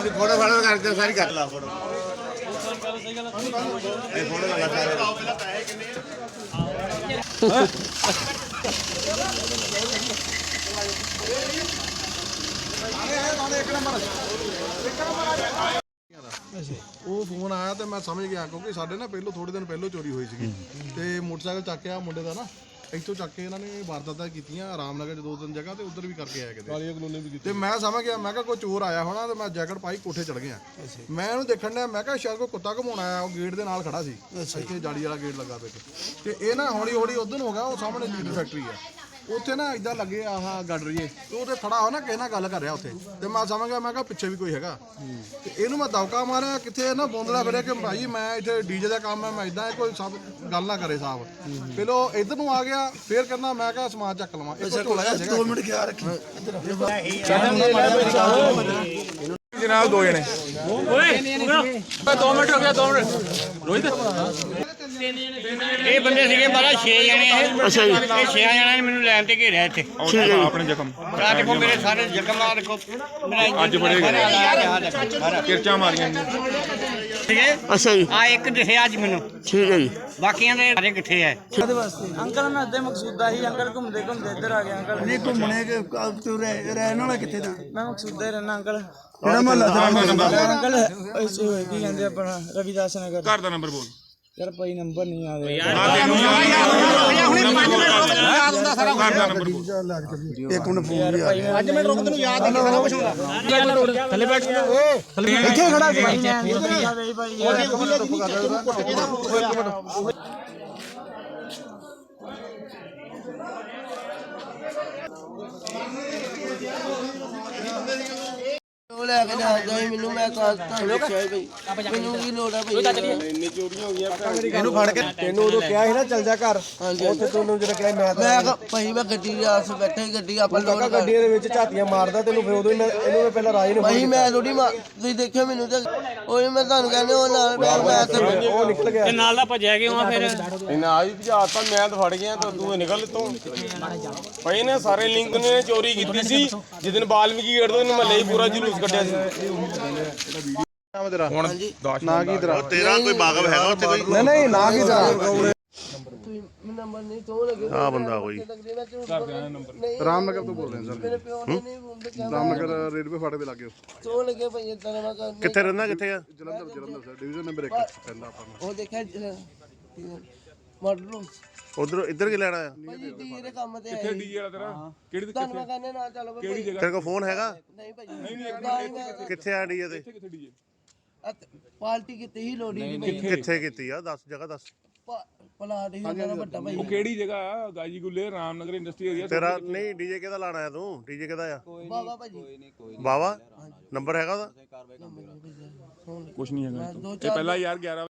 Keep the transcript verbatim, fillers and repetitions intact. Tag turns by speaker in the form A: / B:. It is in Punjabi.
A: फोटो फाटो करके सारी कर ला फोटो ये फोटो लगा सारे
B: ਉਹ ਫੋਨ ਆਇਆ ਤੇ ਮੈਂ ਸਮਝ ਗਿਆ ਕਿਉਂਕਿ ਸਾਡੇ ਨਾ ਪਹਿਲੋਂ ਥੋੜੇ ਦਿਨ ਪਹਿਲੋਂ ਚੋਰੀ ਹੋਈ ਸੀਗੀ ਤੇ ਮੋਟਰਸਾਈਕਲ ਚੱਕਿਆ ਮੁੰਡੇ ਦਾ ਨਾ ਇੱਥੋਂ ਚੱਕ ਕੇ ਇਹਨਾਂ ਨੇ ਵਾਰਦਾਤਾਂ ਕੀਤੀਆਂ ਰਾਮਨਗਰ 'ਚ ਦੋ ਤਿੰਨ ਜਗ੍ਹਾ ਤੇ ਉੱਧਰ ਵੀ ਕਰਕੇ ਆਇਆ ਕਿਤੇ ਕਾਲੀਆ ਕਲੋਨੀ ਵੀ ਕੀਤੀ ਤੇ ਮੈਂ ਸਮਝ ਗਿਆ ਮੈਂ ਕਿਹਾ ਕੋਈ ਚੋਰ ਆਇਆ ਹੋਣਾ ਤੇ ਮੈਂ ਜੈਕਟ ਪਾਈ ਕੋਠੇ ਚੜ ਗਿਆ ਮੈਂ ਇਹਨੂੰ ਦੇਖਣ ਡਿਆ ਮੈਂ ਕਿਹਾ ਸ਼ਾਇਦ ਕੋਈ ਕੁੱਤਾ ਘਮਾਉਣ ਆਇਆ ਉਹ ਗੇਟ ਦੇ ਨਾਲ ਖੜਾ ਸੀ ਇੱਥੇ ਜਾਲੀ ਵਾਲਾ ਗੇਟ ਲੱਗਾ ਪਿਆ ਤੇ ਇਹ ਨਾ ਹੌਲੀ ਹੌਲੀ ਉਧਰ ਨੂੰ ਹੋ ਗਿਆ ਉਹ ਸਾਹਮਣੇ ਲੀਡਰ ਫੈਕਟਰੀ ਆ ਉੱਥੇ ਨਾ ਇਦਾਂ ਲੱਗੇ ਆਹ ਗੱਡ ਰਹੀਏ ਤੇ ਉਹਦੇ ਖੜਾ ਹੋ ਨਾ ਕਿਸੇ ਨਾਲ ਗੱਲ ਕਰ ਰਿਹਾ ਉੱਥੇ ਤੇ ਮੈਂ ਸਮਝ ਗਿਆ ਮੈਂ ਕਿਹਾ ਪਿੱਛੇ ਵੀ ਕੋਈ ਹੈਗਾ ਤੇ ਇਹਨੂੰ ਮੈਂ ਦੌਕਾ ਮਾਰਿਆ ਕਿੱਥੇ ਨਾ ਬੋਂਦਲਾ ਫਿਰਿਆ ਕਿ ਭਾਈ ਮੈਂ ਇੱਥੇ ਡੀਜੇ ਦਾ ਕੰਮ ਹੈ ਮੈਂ ਇਦਾਂ ਕੋਈ ਸਭ ਗੱਲ ਨਾ ਕਰੇ ਸਾਹਿਬ ਪਹਿਲੋਂ ਇੱਧਰ ਨੂੰ ਆ ਗਿਆ ਫੇਰ ਕਹਿੰਦਾ ਮੈਂ ਕਿਹਾ ਸਮਾਨ ਚੱਕ ਲਵਾਂ ਦੋ ਮਿੰਟ ਖਿਆਲ ਰੱਖੀ
A: जनाब दो जने
C: दो मिनट हो गया दो मिनट रोहित ਇਹ ਬੰਦੇ ਸੀਗੇ ਬਾਰਾ ਛੇ ਜਣੇ ਇਹ ਅੱਛਾ ਜੀ ਇਹ ਛੇ ਜਣਿਆਂ ਨੇ ਮੈਨੂੰ ਲੈਣ ਤੇ ਘੇਰਿਆ ਇੱਥੇ
A: ਆਪਣੇ ਜ਼ਖਮ
C: ਆ ਦੇਖੋ ਮੇਰੇ ਸਾਰੇ ਜ਼ਖਮ ਆ ਦੇਖੋ ਮੇਰਾ
A: ਅੱਜ ਬੜੇ ਕਿਰਚਾਂ ਮਾਰੀਆਂ
C: ਠੀਕ ਹੈ
D: ਅੱਛਾ ਜੀ
C: ਆ ਇੱਕ ਦਿਖਿਆ ਅੱਜ ਮੈਨੂੰ
D: ਠੀਕ ਹੈ ਜੀ
C: ਬਾਕੀਆਂ ਦੇ ਸਾਰੇ ਕਿੱਥੇ ਹੈ
E: ਉਹਦੇ ਵਾਸਤੇ ਅੰਕਲ ਮੈਂ ਅੱਧੇ ਮਕਸੂਦਾ ਹੀ ਅੰਕਲ ਘੁੰਮਦੇ ਘੁੰਮਦੇ ਇੱਧਰ ਆ ਗਿਆ ਅੰਕਲ
D: ਨਹੀਂ ਘੁੰਮਣੇ ਕਿ ਤੂੰ ਰਹਿਣ ਵਾਲਾ ਕਿੱਥੇ ਦਾ
E: ਮੈਂ ਮਕਸੂਦਾ ਹੀ ਰਹਿਣਾ ਅੰਕਲ
D: ਕਿਹੜਾ ਮਹੱਲਾ ਤੇਰਾ
E: ਅੰਕਲ ਐਸੇ ਹੋਏ ਕੀ ਕਹਿੰਦੇ ਆਪਣਾ ਰਵਿਦਾਸ ਨਗਰ
A: ਘਰ ਦਾ ਨੰਬਰ ਬੋਲ
E: ਯਾਰ ਭਾਈ ਨੰਬਰ ਨਹੀਂ ਆ ਰਿਹਾ
D: ਇੱਕ ਮਿੰਟ ਫੋਨ ਵੀ ਆ ਗਿਆ
E: ਅੱਜ ਮੈਂ ਰੁਕ ਤੈਨੂੰ ਯਾਦ ਨਹੀਂ ਸਾਰਾ ਕੁਝ ਹੁੰਦਾ ਥੱਲੇ ਬੈਠ ਇੱਥੇ ਖੜਾ ਸੀ ਭਾਈ ਭਾਈ
D: ਉਹ ਲੈ ਕੇ ਜਾਂਦਾ ਮੈਨੂੰ ਮੈਂ ਕਾਸ ਤਾਂ ਲਿਖਿਆ ਬਈ ਮੈਨੂੰ ਕੀ ਲੋੜ ਆ ਬਈ ਇੰਨੀ ਚੋਰੀਆਂ ਹੋ ਗਈਆਂ
B: ਇਹਨੂੰ ਫੜ ਕੇ ਤੈਨੂੰ ਉਦੋਂ ਕਿਹਾ ਸੀ ਨਾ ਚੱਲ ਜਾ ਘਰ ਉੱਥੇ ਤੈਨੂੰ ਜਿਹੜਾ ਕਿਹਾ ਮੈਂ
D: ਮੈਂ ਕਿਹਾ ਭਾਈ ਮੈਂ ਗੱਡੀ ਦੇ ਆਸ ਬੈਠਾ ਹੀ ਗੱਡੀ ਆਪਾਂ ਲੋਡ
B: ਗੱਡੀ ਦੇ ਵਿੱਚ ਝਾਤੀਆਂ ਮਾਰਦਾ ਤੈਨੂੰ ਫਿਰ ਉਦੋਂ ਇਹਨੂੰ ਪਹਿਲਾਂ ਰਾਜ ਨੂੰ
D: ਭਾਈ ਮੈਂ ਥੋੜੀ ਤੁਸੀਂ ਦੇਖਿਆ ਮੈਨੂੰ ਤੇ ਉਹ ਮੈਂ ਤੁਹਾਨੂੰ ਕਹਿੰਦੇ ਉਹ ਨਾਲ ਮੈਂ ਤੇ
B: ਉਹ ਨਿਕਲ ਗਿਆ
C: ਤੇ ਨਾਲ ਦਾ ਭੱਜਿਆ ਕਿਉਂ ਆ ਫਿਰ
F: ਇਹਨਾਂ ਆ ਵੀ ਭਜਾਤਾ ਮੈਂ ਤਾਂ ਫੜ ਗਿਆ ਤਾਂ ਤੂੰ ਨਿਕਲ ਤੋਂ ਭਾਈ ਨੇ ਸਾਰੇ ਲਿੰਕ ਨੇ ਚੋਰੀ ਕੀਤੀ ਸੀ ਜਿੱਦਨ ਬਾਲਮੀਕੀ ਗੇਟ ਤੋਂ ਮਹੱਲੇ ਹੀ ਪੂਰਾ ਜਲੂਸ ਕੱਢਿਆ ਸੀ
A: ਹੁਣ
B: ਨਾ ਕੀ ਤੇਰਾ
A: ਤੇਰਾ ਕੋਈ ਬਾਗਵ ਹੈਗਾ ਉੱਥੇ ਕੋਈ
B: ਨਹੀਂ ਨਹੀਂ ਨਾ ਕੀ ਤੇਰਾ
D: ਨੰਬਰ ਨਹੀਂ ਤੋਂ ਲੱਗੇ
A: ਆ ਬੰਦਾ ਕੋਈ
B: ਰਾਮਨਗਰ ਤੋਂ ਬੋਲ ਰਹੇ
D: ਮੇਰੇ ਪਿਓ ਨੇ ਨਹੀਂ
B: ਸਰ ਰਾਮਨਗਰ ਰੇਲਵੇ ਫਾਟਕ ਦੇ ਲਾਗੇ
D: ਤੋਂ ਲੱਗੇ ਭਾਈ ਇਦਾਂ ਦਾ ਮੈਂ
A: ਕਿੱਥੇ ਰਹਿੰਦਾ ਕਿੱਥੇ ਆ
B: Jalandhar Jalandhar sir division number ਇੱਕ ਪੈਂਦਾ ਆਪਾਂ ਨੂੰ
D: ਉਹ ਦੇਖਿਆ ਮਾਡਲ
A: ਉਧਰ ਇੱਧਰ ਕੀ ਲੈਣਾ ਆ
D: ਭਾਈ ਡੀ ਦੇ ਕੰਮ ਤੇ ਕਿੱਥੇ ਡੀ ਵਾਲਾ ਤੇਰਾ ਕਿਹੜੀ ਤੁਹਾਨੂੰ ਮੈਂ ਕਹਿੰਦੇ ਨਾ ਚੱਲ ਕਿਹੜੀ ਜਗ੍ਹਾ
A: ਤੇਰੇ ਕੋਲ ਫੋਨ ਹੈਗਾ
D: ਨਹੀਂ ਭਾਈ ਨਹੀਂ ਨਹੀਂ
A: ਕਿੱਥੇ ਆ ਡੀਏ ਤੇ
D: ਪਾਰਟੀ ਕਿਤੇ ਹੀ ਲੋੜੀ ਨਹੀਂ ਭਾਈ
A: ਕਿੱਥੇ ਕੀਤੀ ਆ ਦੱਸ ਜਗ੍ਹਾ ਦੱਸ
D: ਪਲਾਟ ਹੀ ਹੁੰਦਾ ਵੱਡਾ ਭਾਈ
F: ਉਹ ਕਿਹੜੀ ਜਗ੍ਹਾ ਗਾਜੀ ਗੁੱਲੇ ਰਾਮਨਗਰ ਇੰਡਸਟਰੀ ਏਰੀਆ
A: ਤੇਰਾ ਨਹੀਂ ਡੀਜੇ ਕਿਹਦਾ ਲਾਣਾ ਆ ਤੂੰ ਡੀਜੇ ਕਿਹਦਾ ਆ
D: ਬਾਬਾ ਭਾਜੀ
A: ਬਾਵਾ ਨੰਬਰ ਹੈਗਾ ਉਹਦਾ
F: ਕੁਛ ਨਹੀਂ ਹੈਗਾ
D: ਦੋ
F: ਇਹ ਪਹਿਲਾਂ ਯਾਰ ਗਿਆਰਾਂ